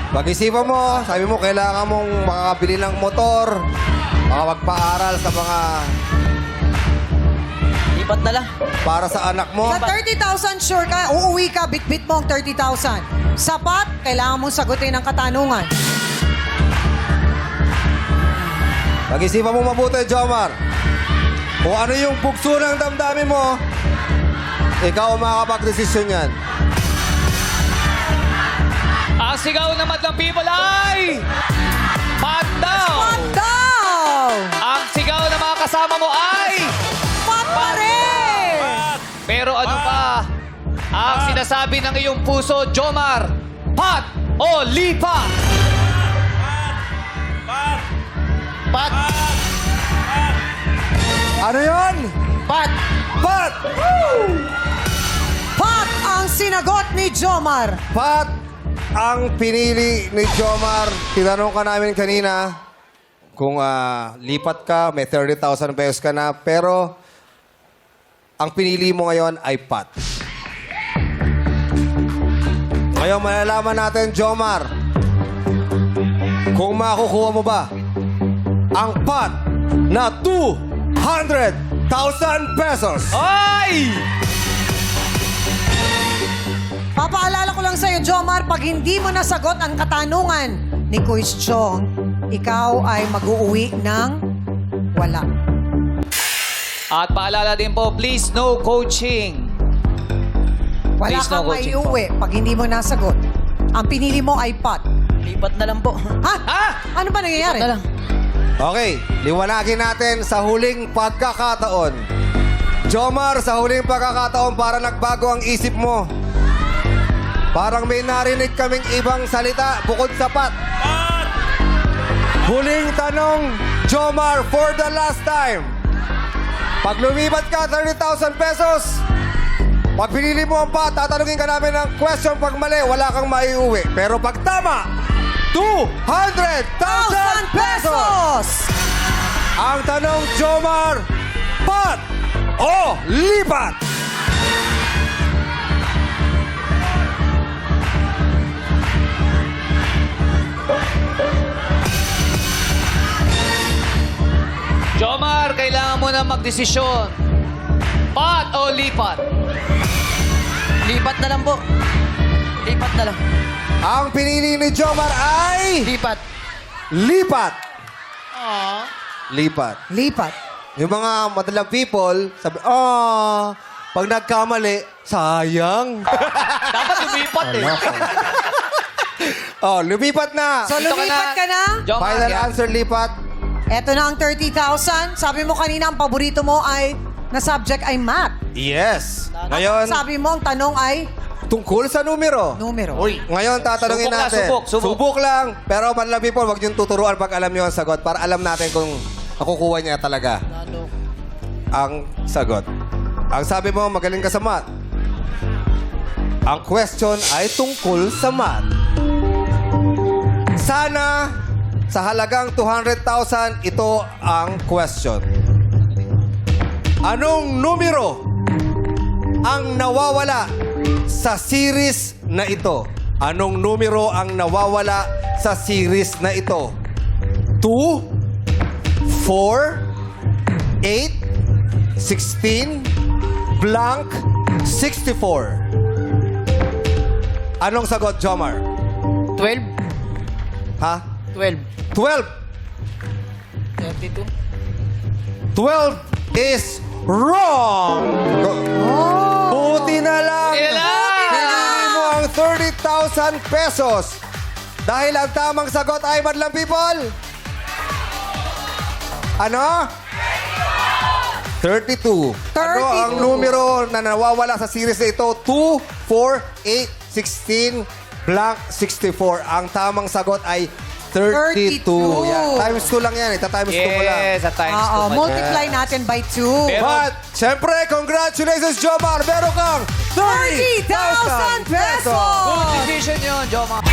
Pag-isipan mo, sabi mo, kailangan mong makakabili ng motor, makapagpaaral sa mga Lipat na lang. para sa anak mo. Sa 30,000, sure ka, uuwi ka, bit-bit mo ang 30,000. Sapat, kailangan mong sagutin ang katanungan. Pag-isipan mo mabuti, Jomar. Kung ano yung bugso ng damdamin mo, ikaw ang makakapag-desisyon yan. Ang sigaw ng madlang people ay... Pat daw! Pat daw! Ang sigaw ng mga kasama mo ay... Pat pa rin! Pero ano pa? Ang sinasabi ng iyong puso, Jomar? Pat o lipat? Pat! Ano yun? Pat! Pat! Pat ang sinagot ni Jomar. Pat ang pinili ni Jomar. Tinanong ka namin kanina kung lipat ka, may 30,000 pesos ka na, pero ang pinili mo ngayon ay Pat. Ngayon, malalaman natin, Jomar, kung makukuha mo ba ang Pat na 200,000 pesos. Ay! Papaalala ko lang sa'yo, Jomar, pag hindi mo nasagot ang katanungan ni Quiz Chong, ikaw ay mag-uuwi ng wala. At paalala din po, please no coaching. Wala Please, no kang coaching po. maiuwi pag hindi mo nasagot. Ang pinili mo ay Pat. Lipat na lang po. Ha? Ha? Ano ba nangyayari? Lipat na lang. Okay, liwanagin natin sa huling pagkakataon. Jomar, sa huling pagkakataon, para nagbago ang isip mo. Parang may narinig kaming ibang salita bukod sa Pat. Huling tanong, Jomar, for the last time. Pag lumipat ka, 30,000 pesos. Pag pinili mo ang Pat, tatanungin ka namin ng question. Pag mali, wala kang maiuwi. Pero pag tama, 200,000 pesos! Ang tanong, Jomar, Pat o lipat? Jomar, kailangan mo na magdesisyon. Pat o lipat? Lipat na lang po. Lipat na lang. Ang pinili ni Jomar ay Lipat. lipat. Lipat. Lipat. Yung mga madalang people, sabi, pag nagkamali, sayang. Dapat lumipat eh. Lumipat na. So, Dito ka lumipat na. ka na? Jomar, Final yan. answer, lipat. Eto na ang 30,000. Sabi mo kanina, ang paborito mo ay na subject ay math. Yes. At Ngayon, sabi mo, ang tanong ay tungkol sa numero. numero. Ngayon, tatanungin Subok lang, natin. subok. Subok lang. Pero madalang people, wag niyong tuturuan pag alam niyo ang sagot para alam natin kung nakukuha niya talaga ang sagot. Ang sabi mo, magaling ka sa math. Ang question ay tungkol sa math. Sana, sa halagang 200,000, ito ang question. Anong numero ang nawawala sa series na ito? Anong numero ang nawawala sa series na ito? 2, 4, 8, 16, blank, 64. Anong sagot, Jomar? 12. Ha? 12. 12. 32. 12 is wrong. Buti na lang. Pinili mo ang 30,000 pesos. Dahil ang tamang sagot ay, madlang people? Ano? 32. Ano ang numero na nawawala sa series na ito? 2, 4, 8, 16, blank, 64. Ang tamang sagot ay 32. 32. Yan. Times 2 lang yan. Times 2 mo lang. Yes, at times Oo, two. multiply natin by 2. Pero- But, syempre, congratulations, Jomar! Meron kang 30,000 pesos! Good decision yun, Jomar.